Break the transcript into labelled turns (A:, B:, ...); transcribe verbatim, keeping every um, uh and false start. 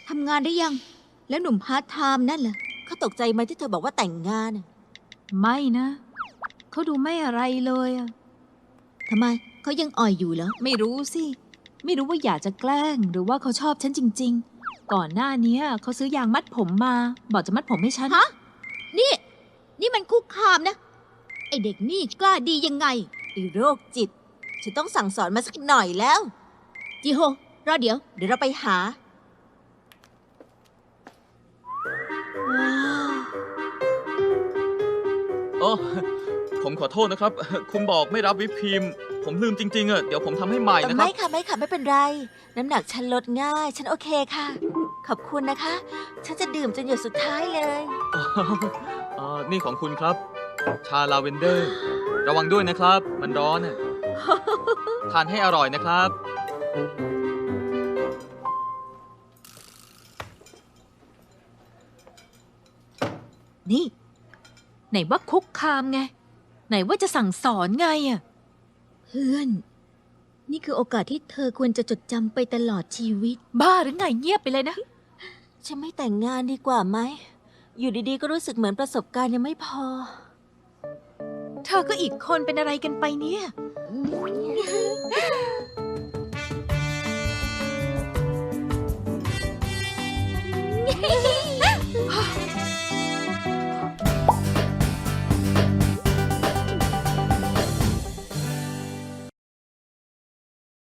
A: ทำงานได้ยัง แล้วหนุ่มพาร์ทไทม์นั่นล่ะ
B: เขาตกใจไหมที่เธอบอกว่าแต่งงานน่ะ
C: ไม่นะเขาดูไม่อะไรเลยอะ
A: ทำไม เขายังอ่อยอยู่เหรอ
C: ไม่รู้สิ ไม่รู้ว่าอยากจะแกล้งหรือว่าเขาชอบฉันจริงๆ ก่อนหน้านี้เขาซื้อยางมัดผมมา บอกจะมัดผมให้ฉัน
A: ฮะ นี่ นี่มันคุกคามนะ ไอเด็กนี่กล้าดียังไง
B: ไอ้โรคจิต ฉันต้องสั่งสอนมาสักหน่อยแล้ว
A: จิโฮ รอเดี๋ยว
B: เดี๋ยวเราไปหา ว้าว
D: โอ้ผมขอโทษนะครับ คุณบอกไม่รับวิปครีม ผมลืมจริงๆอะเดี๋ยวผมทำให้ใหม่นะครั
B: ไม่
D: บ
B: ค่ะไม่ค่ะไม่เป็นไร น้ำหนักฉันลดง่าย ฉันโอเคค่ะ ขอบคุณนะคะ ฉันจะดื่มจนหยดสุดท้ายเลย
D: อ่านี่ของคุณครับ ชาลาเวนเดอร์ ระวังด้วยนะครับ มันร้อนน่ะ ทานให้อร่อยนะครับ
C: นี่ ไหนว่าคุกคามไง ไหนว่าจะสั่งสอนไงอะ
A: เพื่อน นี่คือโอกาสที่เธอควรจะจดจำไปตลอดชีวิต
C: บ้าหรือไงเงียบไปเลยนะ
B: ฉันไม่แต่งงานดีกว่าไหม อยู่ดีๆ ก็รู้สึกเหมือนประสบการณ์ยังไม่พอ
C: เธอก็อีกคนเป็นอะไรกันไปเนี่ย
A: เ